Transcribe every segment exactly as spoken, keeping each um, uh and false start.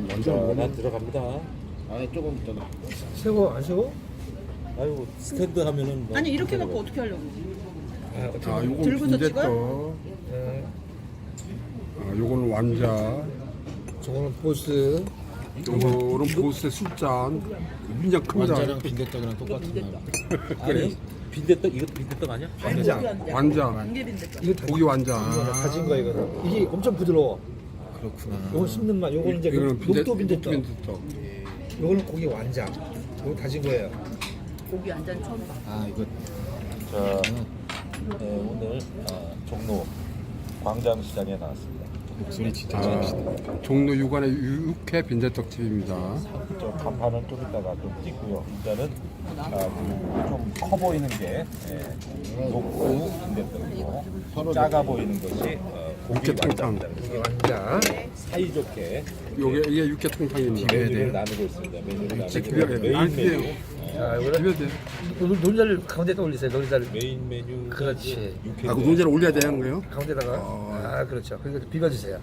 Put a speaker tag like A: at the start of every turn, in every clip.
A: 완전
B: 난 들어갑니다.
A: 안에 조금 있다.
C: 세고 안 세고?
B: 아이고 스탠드 하면은 뭐
D: 아니 이렇게
B: 들어가요.
D: 갖고 어떻게 하려고?
C: 아, 어떻게
A: 아, 요건
D: 들고서
A: 빈대떡.
C: 네.
A: 아, 요거는 완자.
C: 저거는 보스.
A: 요거는 보스의 술잔. 굉장히 큽니다.
E: 완자랑 빈대떡이랑 똑같은 거.
B: 아니 빈대떡 이거 빈대떡 아니야?
C: 완자.
A: 완자.
D: 안개빈대떡.
C: 이거
A: 고기 완자.
C: 이거는 가진 거야 이거는. 이게 엄청 부드러워.
E: 그렇구나.
C: 요건 씹는 맛. 요거는 이제
A: 이거는 빈대-
C: 녹도 빈대떡.
A: 빈대떡.
C: 요거는 고기 완자. 요거 다진 거예요.
D: 고기 안잔 처음 봐.
E: 아 이거
B: 자 네, 오늘 아, 종로 광장시장에 나왔습니다.
E: 목소리 진짜
A: 아,
E: 좋으시다.
A: 종로 육안의 육회 빈대떡집입니다.
B: 저 간판은 좀 이따가 좀 찍고요. 일단은 아, 좀 커 보이는 게 예, 녹두 빈대떡이고 작아 보이는 것이 어, 고기
A: 육개통탕.
B: 완자입니다.
C: 고기 완자.
B: 사이좋게
A: 요게 이게 육개통탕입니다.
B: 메뉴를 나누고 있습니다. 메뉴를 나누고
A: 비벼야 돼요.
B: 메인
A: 아, 비벼요.
B: 메뉴
C: 자, 이거는
A: 비벼야 돼.
C: 노- 노른자를 가운데다 올리세요. 노른자를
B: 메인 메뉴
C: 그렇지.
A: 아, 그 논제를 올려야 되는 거예요?
C: 가운데다가.
A: 어.
C: 아, 그렇죠. 그리고 비벼주세요.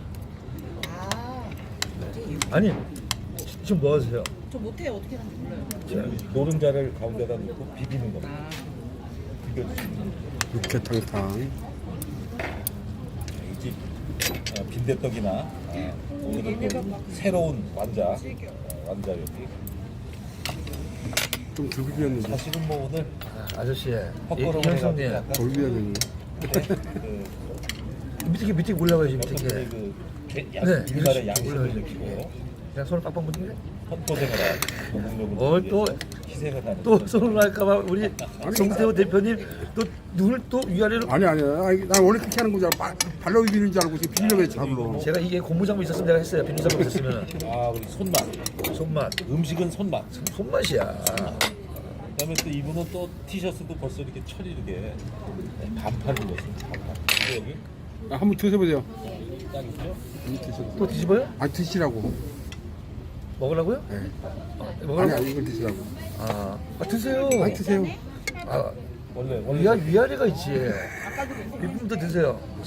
C: 아니, 지금 뭐 하세요?
D: 저 못해요. 어떻게 하는지 몰라요.
B: 노른자를 가운데다 넣고 비비는 겁니다. 비벼주시면 됩니다.
A: 육개탕탕.
B: 이 집 어, 빈대떡이나 어, 오늘은 또 새로운 완자 어, 완자 여기
A: 좀 들고 비웠는데.
B: 사실은 뭐 오늘
C: 아, 아저씨, 이-
B: 헛걸음을
C: 이현성님,
B: 해가지고 약간
A: 덜 비워야 되네.
B: 그
C: 밑에 밑에 올라가야지
B: 어떤
C: 밑에.
B: 분이 그 개- 양-
C: 네,
B: 우리나라의
C: 이렇게
B: 양심을
C: 올라가야지.
B: 느끼고
C: 그냥 손을 빡빡 묻는데?
B: 헛고생을 하고 노동력을
C: 뭘 또-
B: 희생을 하는
C: 또 손을 할까봐 우리 정세호 대표님 또 눈을 또 위아래로.
A: 아니 아니 아니 난 원래 그렇게 하는 거잖아. 발- 발로 비비는 줄 알고 지금 비비려고 했지 잡으러.
C: 제가 이게 고무장구 있었으면 내가 했어요. 비누장구 있었으면
B: 아 우리 손맛
C: 손맛,
B: 음식은 손맛.
C: 손맛이야.
B: 그다음에 또 이분은 또 티셔츠도 벌써 이렇게 철이르게 반팔 입었습니다. 반팔. 근데 여기
A: 아, 한번 드셔보세요.
B: 딱 있죠?
C: 또 뒤집어요?
A: 아 드시라고.
C: 먹으라고요?
A: 네.
C: 아,
A: 아니
C: 먹으라고?
A: 아니 이걸 드시라고.
C: 아, 아 드세요.
A: 아 드세요.
C: 아,
B: 원래 원래
C: 위아 위아래가 있지. 비품도 드세요.